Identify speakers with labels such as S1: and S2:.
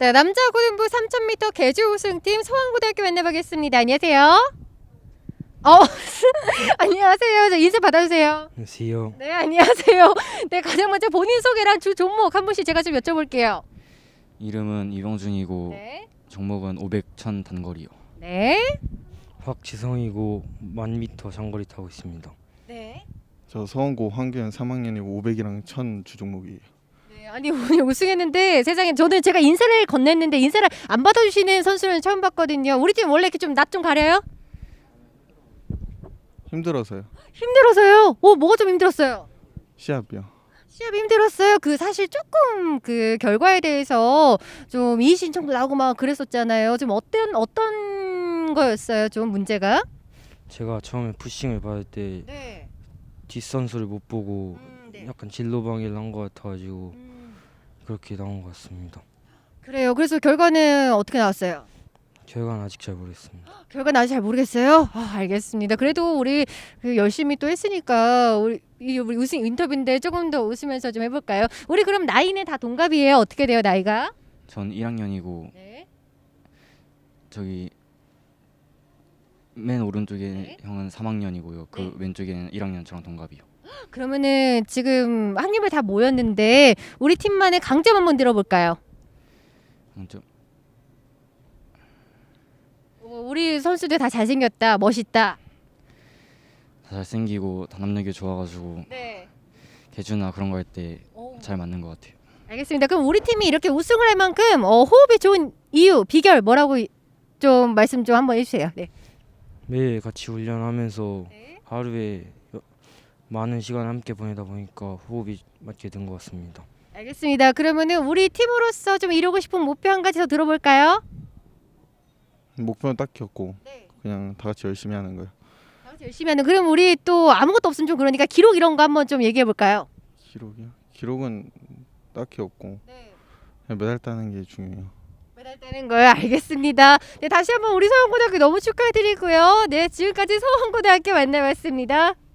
S1: 네, 남자 고등부 3000m 계주 우승팀 서원고등학교 만나보겠습니다. 안녕하세요. 안녕하세요. 저 인사 받아주세요.
S2: 안녕하세요.
S1: 네, 안녕하세요. 네, 가장 먼저 본인 소개랑 주 종목 한 분씩 제가 좀 여쭤볼게요.
S3: 이름은 이병준이고
S1: 네.
S3: 종목은 500, 1000 단거리요.
S1: 네.
S2: 박지성이고 1000m 장거리 타고 있습니다.
S1: 네.
S4: 저 서원고 황교현 3학년이고 500이랑 1000 주종목이에요.
S1: 네, 아니 오늘 우승했는데 세상에 저는 제가 인사를 건넸는데 인사를 안 받아주시는 선수는 처음 봤거든요. 우리 팀 원래 이렇게 좀 낯 좀 가려요?
S4: 힘들어서요.
S1: 힘들어서요. 뭐가 좀 힘들었어요?
S4: 시합이요.
S1: 시합이 힘들었어요. 그 사실 조금 그 결과에 대해서 좀 이의 신청도 나오고 막 그랬었잖아요. 좀 어떤 거였어요? 좀 문제가?
S2: 제가 처음에 푸싱을 받을 때
S1: 네.
S2: 뒷선수를 못 보고
S1: 네.
S2: 약간 진로방해를 한 것 같아가지고 그렇게 나온 것 같습니다.
S1: 그래요. 그래서 결과는 어떻게 나왔어요?
S2: 결과는 아직 잘 모르겠습니다.
S1: 결과는 아직 잘 모르겠어요. 알겠습니다. 그래도 우리 그 열심히 또 했으니까 우리 우승 인터뷰인데 조금 더 웃으면서 좀 해볼까요? 우리 그럼 나이는 다 동갑이에요. 어떻게 돼요 나이가?
S3: 전 1학년이고
S1: 네.
S3: 저기 맨 오른쪽에
S1: 네.
S3: 형은 3학년이고요. 그
S1: 네.
S3: 왼쪽에는 1학년 저랑 동갑이요.
S1: 그러면은 지금 학년별 다 모였는데 우리 팀만의 강점 한번 들어볼까요?
S3: 좀
S1: 우리 선수들 다 잘생겼다, 멋있다.
S3: 다 잘생기고 단합력이 좋아가지고
S1: 네.
S3: 개주나 그런 거 할 때 잘 맞는 것 같아요.
S1: 알겠습니다. 그럼 우리 팀이 이렇게 우승을 할 만큼 호흡이 좋은 이유, 비결 뭐라고 좀 말씀 좀 한번 해주세요. 네.
S2: 매일 같이 훈련하면서
S1: 네.
S2: 하루에 많은 시간을 함께 보내다 보니까 호흡이 맞게 된 것 같습니다.
S1: 알겠습니다. 그러면은 우리 팀으로서 좀 이루고 싶은 목표 한 가지 더 들어볼까요?
S4: 목표는 딱히 없고
S1: 네.
S4: 그냥 다 같이 열심히 하는 거예요.
S1: 열심히 하는. 그럼 우리 또 아무것도 없으면 좀 그러니까 기록 이런 거 한번 좀 얘기해 볼까요?
S4: 기록이요? 기록은 딱히 없고
S1: 네.
S4: 그냥 메달 따는 게 중요해요.
S1: 메달 따는 거요. 알겠습니다. 네, 다시 한번 우리 서원고등학교 너무 축하드리고요. 네, 지금까지 서원고등학교 만나봤습니다.